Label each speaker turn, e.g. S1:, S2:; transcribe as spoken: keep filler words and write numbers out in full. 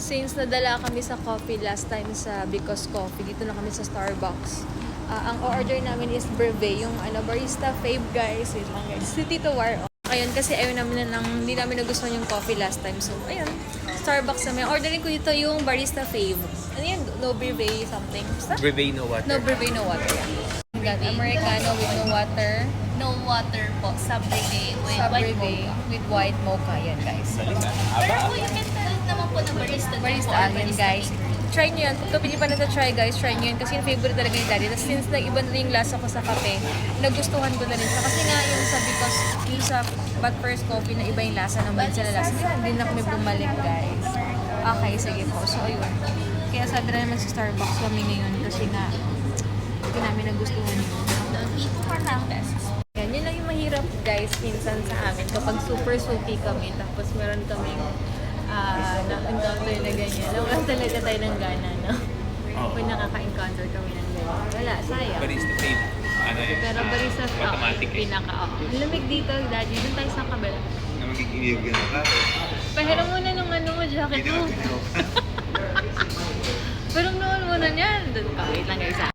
S1: since nadala kami sa coffee last time sa Because Coffee, dito na kami sa Starbucks. Uh, ang order namin is brevet, yung ano, barista fave guys. Wait lang guys. Si Tito War. Ayun, kasi ayun namin na lang, hindi namin nagustuhan yung coffee last time. So, ayun, Starbucks namin. Ordering ko dito yung barista fave. Ano yan? No brevet something. Basta?
S2: Brevet no water.
S1: No brevet, no water. Yeah. Got Americano with no water.
S3: No water po, sa brevet with
S1: Sa
S3: white
S1: brevet
S3: mocha.
S1: with white mocha. Yan guys.
S3: Pero po, you can tell it naman po na barista. din
S1: Barista
S3: po, or
S1: alin
S3: barista
S1: guys.
S3: maker.
S1: Try nyo yan. Kung hindi pa nata-try guys, try nyo yan. Kasi yung favorite talaga ni Daddy. Tapos since nag-iba na yung lasa ko sa kape, nagustuhan ko na rin siya. Kasi nga yung sa Because, yung sa But First Coffee na iba yung lasa ng bansa na lasa. Kaya hindi na kami bumalik guys. Okay, sige po. So ayun. Kaya sabi na naman sa Starbucks kami ngayon kasi nga hindi namin nagustuhan yun.
S3: For half pesos.
S1: Yan, yun lang yung mahirap guys minsan sa amin kapag super soupy kami tapos meron kaming uh, na-encounter na ganyan. Nawalan talaga tayo ng gana, no?
S2: Oo.
S1: Kung nakaka-encounter kami ng ganyan. Wala, sayang.
S2: Barista fave. Ano eh?
S1: Pero barista sa
S2: Automatic eh.
S1: pinaka, oh. Lamig dito, Daddy. Doon tayo sa kabila.
S2: Na magiging ka na.
S1: Pahiram muna nung ano mo, jacket mo. Pero noon muna niyan. Doon ka, wait lang guys ah.